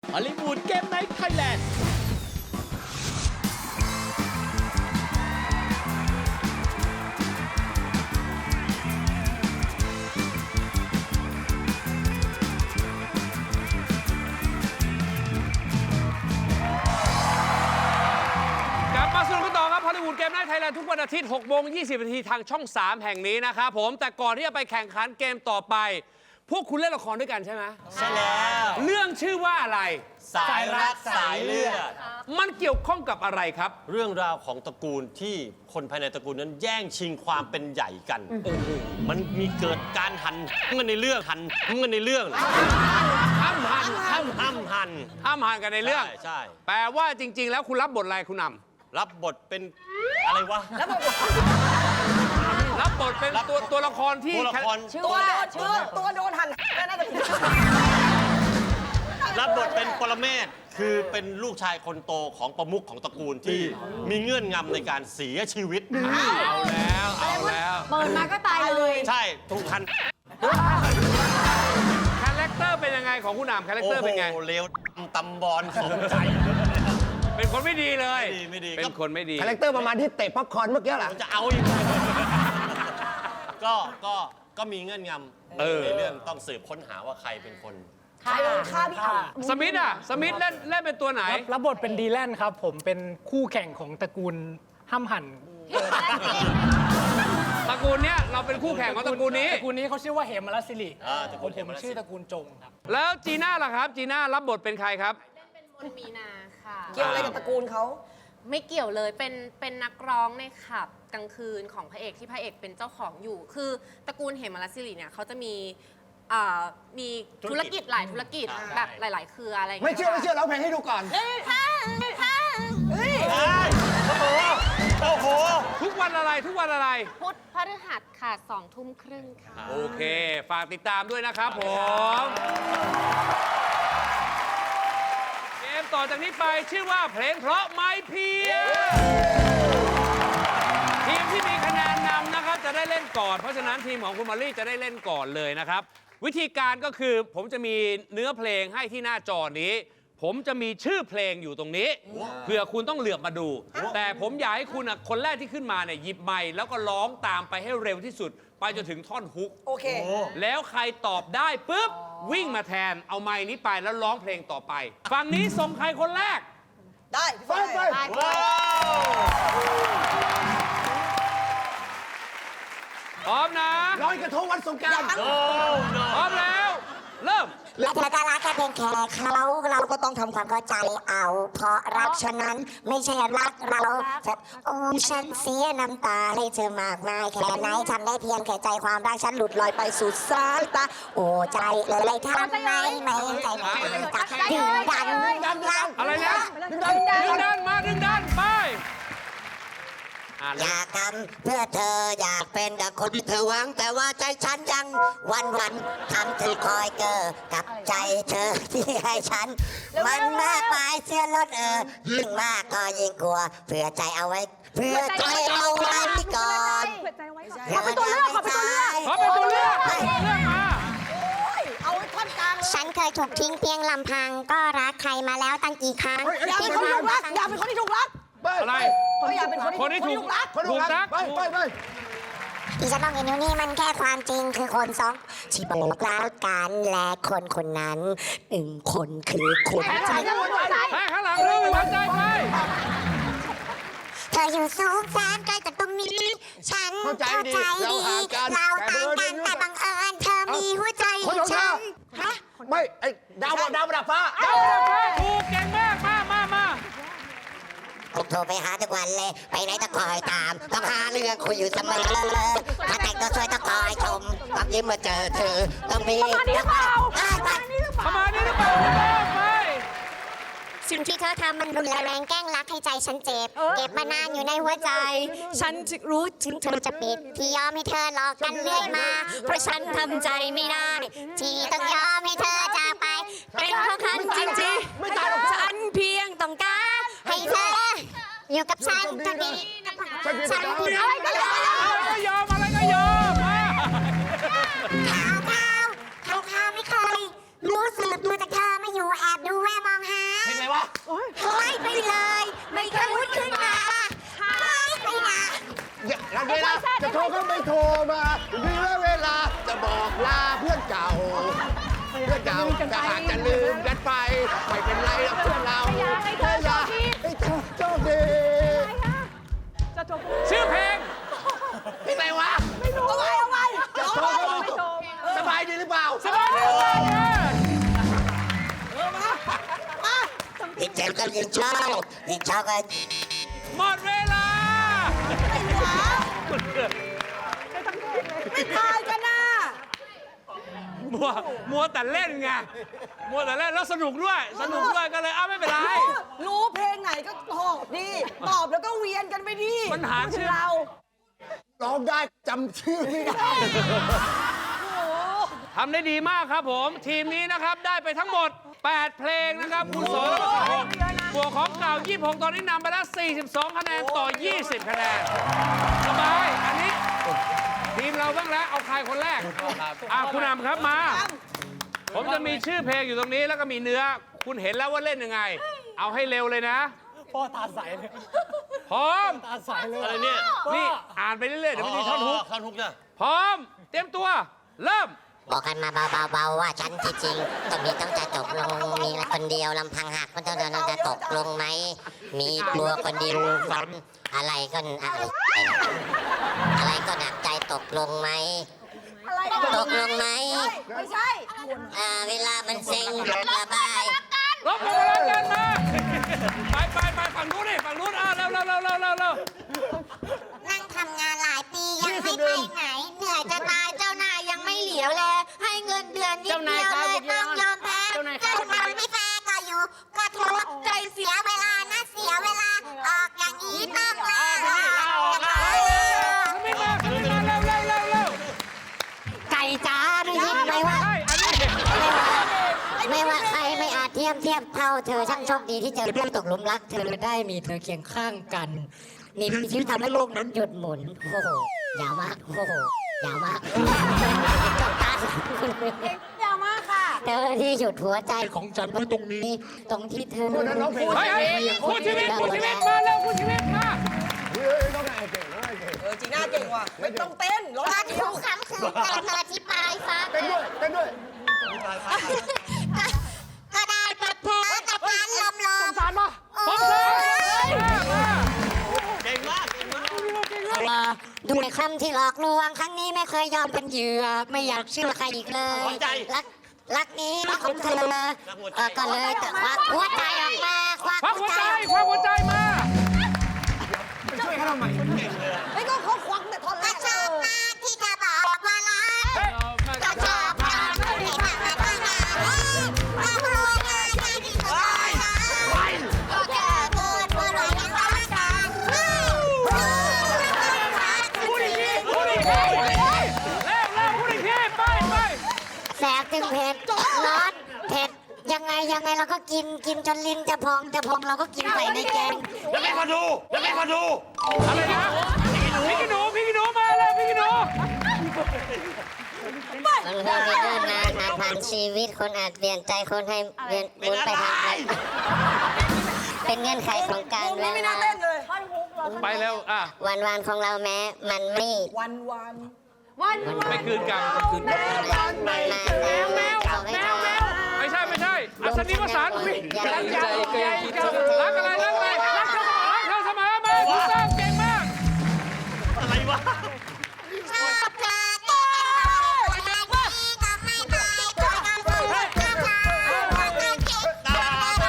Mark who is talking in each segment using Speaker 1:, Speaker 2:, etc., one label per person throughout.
Speaker 1: ฮอลลีวูดเกมไนท์ไทยแลนด์
Speaker 2: ฮอลลีวูดเกมไนท์ไทยแลนด์ทุกวันอาทิตย์ 6:20 นาทีทางช่อง 3 แห่งนี้นะครับผมแต่ก่อนที่จะไปแข่งขันเกมต่อไป พวกคุณเล่นละครด้วยกันใช่ไหมใช่แล้วเรื่องชื่อว่าอะไร
Speaker 3: สายรักสายเลือด
Speaker 2: มันเกี่ยวข้องกับอะไรครับ
Speaker 3: เรื่องราวของตระกูลที่คนภายในตระกูลนั้นแย่งชิงความเป็นใหญ่กันมันมีเกิดการหันกันในเรื่องห้ามหัน
Speaker 2: กันในเรื่อง
Speaker 3: ใช่
Speaker 2: แปลว่าจริงๆแล้วคุณรับบทอะไรคุณนำ
Speaker 3: รับบทเป็นอะไรวะ
Speaker 2: รับบทเป็นตัวละครที่
Speaker 4: ตัวโดนหันน่าจะ
Speaker 3: รับบทเป็นปรเมศคือเป็นลูกชายคนโตของประมุขของตระกูลที่มีเงื่อนงำในการเสียชีวิต
Speaker 2: เอาแล้ว
Speaker 4: เปิดมาก็ตายเลย
Speaker 3: ใช่ถูกหัน
Speaker 2: คาแรคเตอร์เป็นยังไงของคุณนำคาแรคเตอร์เป็นไง
Speaker 3: โอ้โหเลวตำบอลสมใจ
Speaker 2: เป็นคนไม่ดีเลย
Speaker 3: ไม่ดี
Speaker 2: เป็นคนไม่ดี
Speaker 1: คาแรคเตอร์ประมาณที่เตะป๊อปคอร์นเมื่อกี้แหละ
Speaker 3: จะเอาอีกก็มีเงื่อนงำในเรื่องต้องสืบค้นหาว่าใครเป็นคน
Speaker 4: ใครฆ่าพี่อ่ะ
Speaker 2: สมิธเล่นเป็นตัวไหน
Speaker 5: รับบทเป็นดีแลนครับผมเป็นคู่แข่งของตระกูลห้ำหั่น
Speaker 2: ตระกูลเนี้ยเราเป็นคู่แข่งของตระกูลนี้
Speaker 5: เขาชื่อว่าเหมรัสสิริผมชื่อตระกูลจงครับ
Speaker 2: แล้วจีน่าล่ะครับจีน่ารับบทเป็นใครครับ
Speaker 6: เล่นเป็นมนมีนาค่ะ
Speaker 4: เกี่ยวอะไรกับตระกูลเขา
Speaker 6: ไม่เกี่ยวเลยเป็นนักร้องในขับกลางคืนของพระเอกที่พระเอกเป็นเจ้าของอยู่คือตระกูลเหมรัสสิริเนี่ยเขาจะมีธุรกิจหลายธุรกิจแบบหลายๆเครืออะไร
Speaker 1: ไม่เชื่อร้องเพลงให้ดูก่อน
Speaker 3: โอ้โห
Speaker 2: ทุกวันอะไร
Speaker 6: พุธพฤหัสค่ะ20:30ค่ะ
Speaker 2: โอเคฝากติดตามด้วยนะครับผมเกมต่อจากนี้ไปชื่อว่าเพลงเพราะไม้เพียทีมที่มีคะแนนนำนะครับจะได้เล่นก่อนเพราะฉะนั้นทีมของคุณมอลลี่จะได้เล่นก่อนเลยนะครับวิธีการก็คือผมจะมีเนื้อเพลงให้ที่หน้าจอนี้ผมจะมีชื่อเพลงอยู่ตรงนี้เผื่อคุณต้องเหลือบมาดูแต่ผมอยากให้คุณคนแรกที่ขึ้นมาเนี่ยหยิบไมค์แล้วก็ร้องตามไปให้เร็วที่สุดไปจนถึงท่อนฮุก
Speaker 4: โอเค
Speaker 2: แล้วใครตอบได้ปุ๊บวิ่งมาแทนเอาไมค์นี้ไปแล้วร้องเพลงต่อไปฝั่งนี้ส่งใครคนแรก
Speaker 4: ได้
Speaker 1: ไป
Speaker 2: พร้อมนะ
Speaker 1: ลอยกระทงวันสงกรานต์
Speaker 2: พร้อมแล้วเริ่ม
Speaker 7: และเธอก็รักแค่เพียงแค่เขาเราก็ต้องทำความเข้าใจเอาเพราะรักฉะนั้นไม่ใช่รักเราโอ้ฉันเสียน้ำตาให้เธอมากมายแค่ไหนทำได้เพียงแค่ใจความรักฉันหลุดลอยไปสู่สายตาโอ้ใจเลยทำไมไม่ใจมันตักดึงดัน
Speaker 2: อะไรนะดึงดันไป
Speaker 7: อยากทำเพื่อเธออยากเป็นดังคนที่เธอหวังแต่ว่าใจฉันยังวันทำเธอคอยเกอกับใจเธอที่ให้ฉันมันมากมายเสียลดยิ่งมากก็ยิ่งกลัวเพื่อใจเอาไว้เพื่อใจเอาไว้ก่อน
Speaker 4: ขอเป็นตัวเลือกมาเอาท่อนกลาง
Speaker 7: ฉันเคยถูกทิ้งเพียงลำพังก็รักใครมาแล้วตั้งกี่ครั้ง
Speaker 4: อย่าเป็นคนที่ถูกรักอย่าเป็นคนที่ถูกรัก
Speaker 2: อะไร
Speaker 4: เขาอยากเป็นคนที่ถูกรัก
Speaker 1: ไป
Speaker 7: ที่ฉันต้องเห็นอยู่นี่มันแค่ความจริงคือคนสองที่บอกรักกันและคนนั้นคนคือคุณ
Speaker 2: ข้างหลังเรื่องหัวใจไป
Speaker 7: เธออยู่สูงแสนไกลจากตรงนี้ฉันเข้าใจดีเราต่างกันแต่บังเอิญเธอมีหัวใจฉัน
Speaker 1: ไม่ไอ้ดาวประดับฟ้า
Speaker 2: ถูกเก่งมากมา
Speaker 7: ผมโทรไปหาทุกวันเลยไปไหนต้องคอยตามต้องหาเรื่องคุยอยู่เสมอถ้าแต่งตัวสวยต้องคอยชมต้องยิ้มมาเจอเธอต้องมี
Speaker 2: ประมาณนี้หรือเปล่าไป
Speaker 7: สิ่งที่เธอทำมันรุนแรงแกล้งรักให้ใจฉันเจ็บเก็บมานานอยู่ในหัวใจฉันจะรู้ถึงเธอจะปิดที่ยอมให้เธอหลอกกันเรื่อยมาเพราะฉันทำใจไม่ได้ที่ต้องยอมให้เธอจากไปเป็นเพราะฉันจริงๆฉันเพียงต้องการให้เธออยู่กับฉันจะดีฉัน
Speaker 2: อะไรก็ยอมมา
Speaker 7: ข่าวไม่เคยรู้สึกดูแต่เธอไม่อยู่แอบดูแวะมองไม่ไปเลย ไม่เคยพูดขึ้นมาไม่ไปนะ
Speaker 1: แล้วเวลาจะโทรก็ไม่โทรมามีเวลาจะบอกลาเพื่อนเก่า เพื่อนเก่าจะหากจะลืมกันไป ไม่เป็นไรหรอกเพื่อนเรา
Speaker 4: ให้เธอโชคดี
Speaker 1: ให้เธอโชคดี
Speaker 4: จะจบ
Speaker 2: ชื่อเพลง
Speaker 1: พี่ไหนวะ
Speaker 4: เอาไว้เอาไว้
Speaker 1: จะโทรก็ไม่โทรสบายดีหรือเปล่า
Speaker 2: สบายดีมากเลย
Speaker 7: ยิ่งเจ็บก็ยิ่งชอบยิ่งชอบก็
Speaker 2: หมดเวลา
Speaker 4: ไม่ทายกันนะ
Speaker 2: มัวแต่เล่นไง มัวแต่เล่นแล้วสนุกด้วย สนุกด้วยก็เลยไม่เป็นไร
Speaker 4: รู้เพลงไหนก็ตอบดิตอบแล้วก็เวียนกันไปดิ
Speaker 2: ปัญหาชื่อ
Speaker 4: เรา
Speaker 1: ร้องได้จำชื่อไม่ได้
Speaker 2: ทำได้ดีมากครับผม ทีมนี้นะครับได้ไปทั้งหมด 8 เพลงนะครับ คุณสรพงศ์บวกของเก่า 26 ตอนนี้นำไปแล้ว 42 คะแนนต่อ 20 คะแนน สบาย อันนี้ ทีมเราบ้างแล้ว เอาใครคนแรกคุณอำครับมา ผมจะมีชื่อเพลงอยู่ตรงนี้แล้วก็มีเนื้อ คุณเห็นแล้วว่าเล่นยังไง เอาให้เร็วเลยนะ
Speaker 5: พ่อตาใสเลย
Speaker 2: พร้อม
Speaker 5: ตาใสเลย
Speaker 3: อะไรเนี่ย
Speaker 2: นี่อ่านไปเรื่อยๆเดี๋ยวมันมีท่อนฮุก
Speaker 3: ท่อนฮุกนะ
Speaker 2: พร้อม เตรียมตัว เริ่ม
Speaker 7: บอกกันมาเบาๆว่าฉันที่จริงต้องจะจบลงมีคนเดียวลำพังหักมันจะตกลงไหมมีกลัวคนเดียวฝันอะไรก็อะไรก็หนักใจตกลงไหม
Speaker 4: อะไร
Speaker 7: ตกลงไหม
Speaker 4: ไม่ใช่
Speaker 7: เวลามันเซ็งระบาย
Speaker 2: รบกวนรักกันมาไปฝั่งนู้นดิฝั่งนู้นเร็ว
Speaker 7: นั่งทำงานหลายปียังไม่ไปไหน เหนื่อยจะตายเจ้านายยังไม่เหลียวแลให้เงินเดือนนิดเดียวเลยต้องยอมแพ้เจ้านายไม่แฟร์ก็อยู่ก็ทุกข์ใจเสียเวลานะเสียเวลาออกอย่างนี้ต้องลา
Speaker 2: ไม่มาเร็ว
Speaker 7: ไก่จ้าได้ยินไหมว่า
Speaker 2: ใช่อันนี้
Speaker 7: ไม่ว่าใครไม่อาจเทียบเท่าเธอช่างโชคดีที่เจอเพื่อนตกหลุมรักเธอได้มีเธอเคียงข้างกันนี่มีชีวิตทำให้โลกนั้นหยุดหมุนโอ้โหยาวมากโอ้โหยาวมากจบตา
Speaker 4: ยาวมากค่ะ
Speaker 7: เธอที่หยุดหัวใจของฉันไว้ตรงนี้ ตรงที่เธอ
Speaker 1: คนนั้นร้องเพลง
Speaker 2: เฮ้ยคู่ชีวิตมาเร็วคู่ชีวิตมา
Speaker 1: เฮ้ยน้องนายเก่งน้องนายเก่ง
Speaker 4: จีน่าเก่งว่ะไม่ต้องเต้นร้อง
Speaker 7: ตอน
Speaker 4: เดี
Speaker 7: ที่
Speaker 4: ยว
Speaker 7: ทุกคำคือการอธิบายฟัง
Speaker 1: เต้นด้วย
Speaker 7: ก็ได้กับเธอกับการลม
Speaker 1: สารมา
Speaker 2: พร้อมเลย
Speaker 3: เก่งมาก
Speaker 7: ดูในคำที่หลอกลวงครั้งนี้ไม่เคยยอมเป็นเหยื่อไม่อยากเชื่อใครอีกเลยรักนี้ของเธอก็เลยแต่ควักหัวใจออกมาควัก
Speaker 2: ควัก
Speaker 7: หั
Speaker 2: หั
Speaker 7: ว
Speaker 2: ว
Speaker 7: ใจ
Speaker 2: ใจมา
Speaker 4: ไอ้ก็เขาควักแต่ท่อนแร
Speaker 7: ก็
Speaker 4: ก
Speaker 7: ชอบมากที่จะบอกว่ารักก็ชอบมากที่ทำให้ต้องงานก็รู้งานที่สุดเลยก็แค่พูดว่ายังรักกัน
Speaker 2: พูดอีกทีเร็วพูดอีกทีไป
Speaker 7: แสบถึงเผ็ดร้อนเผ็ดยังไงเราก็กินจนลิ้นจะพองเราก็กินใส่ในแกง
Speaker 3: แล้วไม่ขอดู
Speaker 2: อะไรนะพี่กินูมาเลยพี่กินู
Speaker 7: คนเราไม่เดินนานผ่านชีวิตคนอาจเปลี่ยนใจคนให้เวียนวนไปทางไหนเป็นเงื่อนไขของการ
Speaker 4: วง
Speaker 7: เว
Speaker 4: นี้ไม่น่า
Speaker 7: ลา
Speaker 4: เต้นเลยท่อนฮุกเรา
Speaker 2: ไปเร็ว
Speaker 7: วันของเราแม้มันไม่
Speaker 4: วัน
Speaker 2: ไปคืนกรรม
Speaker 7: แมว
Speaker 2: ไม่ใช่อัศนีวสันต์รักใหญ่รักอะไรรักเธอเสมอมาถูกต้องเก่งมาก
Speaker 3: อะไรวะ
Speaker 7: ชอบเธอที่เป็นเราคนนั้นก็ไม่ไปตัวกันพูดกับเราคนนั้นเก็บตัว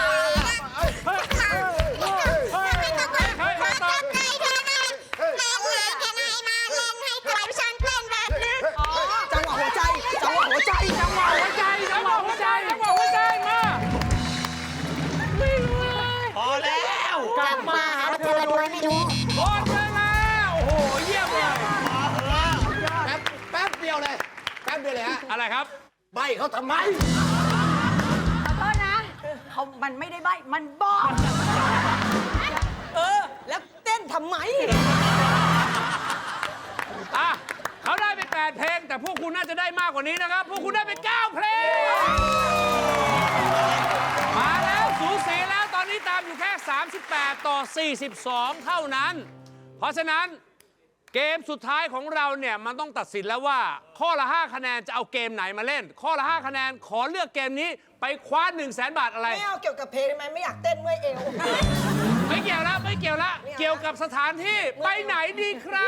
Speaker 7: ไม่ต้องมาขอกับใครเท่านั้นแม้ว่าแค่ไหนมาเล่นให้ตัวฉันเป็นแบบนี้
Speaker 4: จังหวะหัวใจ
Speaker 2: มา
Speaker 3: พอแล้ว
Speaker 7: กลับมาหาเธอโดยไม่รู้
Speaker 2: หมดเวลาโอ้โหเยี่ยมเลย
Speaker 1: แป๊บเดียวเลยฮะ
Speaker 2: อะไรครับ
Speaker 1: ใบเขาทำไม
Speaker 4: ขอโทษนะมันไม่ได้ใบมันบอกแล้วเต้นทำไม
Speaker 2: เขาได้ไป 8 เพลง แต่พวกคุณน่าจะได้มากกว่านี้นะครับ พวกคุณได้ไป 9 เพลง มาแล้วสูสีแล้วตอนนี้ 38 ต่อ 42 เท่านั้น เพราะฉะนั้นเกมสุดท้ายของเราเนี่ยมันต้องตัดสินแล้วว่า ข้อละ 5 คะแนนจะเอาเกมไหนมาเล่น ข้อละ 5 คะแนนขอเลือกเกมนี้ไปคว้า 100,000 บาทอะไร
Speaker 8: ไม่เอาเกี่ยวกับเพลงได้ไหมไม่อยากเต้นเมื่อยเอว
Speaker 2: ไม่เกี่ยวละไม่เกี่ยวละเกี่ยวกับสถานที่ไปไหนดีครับ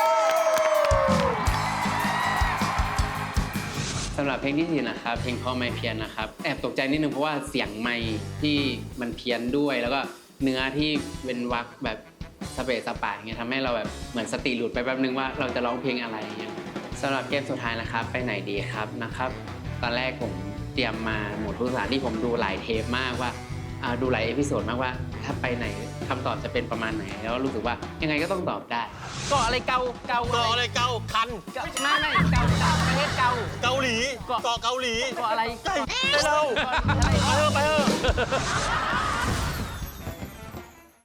Speaker 9: สำหรับเพลงที่สี่นะครับเพลงพ่อไม่เพี้ยนนะครับแอบตกใจนิดนึงเพราะว่าเสียงไมค์ที่มันเพี้ยนด้วย แล้วก็เนื้อที่เป็นวรรคแบบสเปซสปะอย่างเงี้ยทำให้เราแบบเหมือนสติหลุดไปแป๊บนึงว่าเราจะร้องเพลงอะไรอย่างเงี้ยสำหรับเกมสุดท้ายนะครับไปไหนดีครับนะครับตอนแรกผมเตรียมมาหมดทุกสถานที่ผมดูหลายเทปมากว่าดูหลายเอพิโซดมากว่าถ้าไปไหนคำตอบจะเป็นประมาณไหนแล้วรู้สึกว่ายังไงก็ต้องตอบได้
Speaker 5: เกาะอะไรเกา
Speaker 3: เกาะอะไรเกาคัน
Speaker 5: ไม่เกาประเทศเกา
Speaker 3: เกาหลีเกาะเกาหลี
Speaker 5: เกาะอะไร
Speaker 3: ไปเร็วไปเถอะ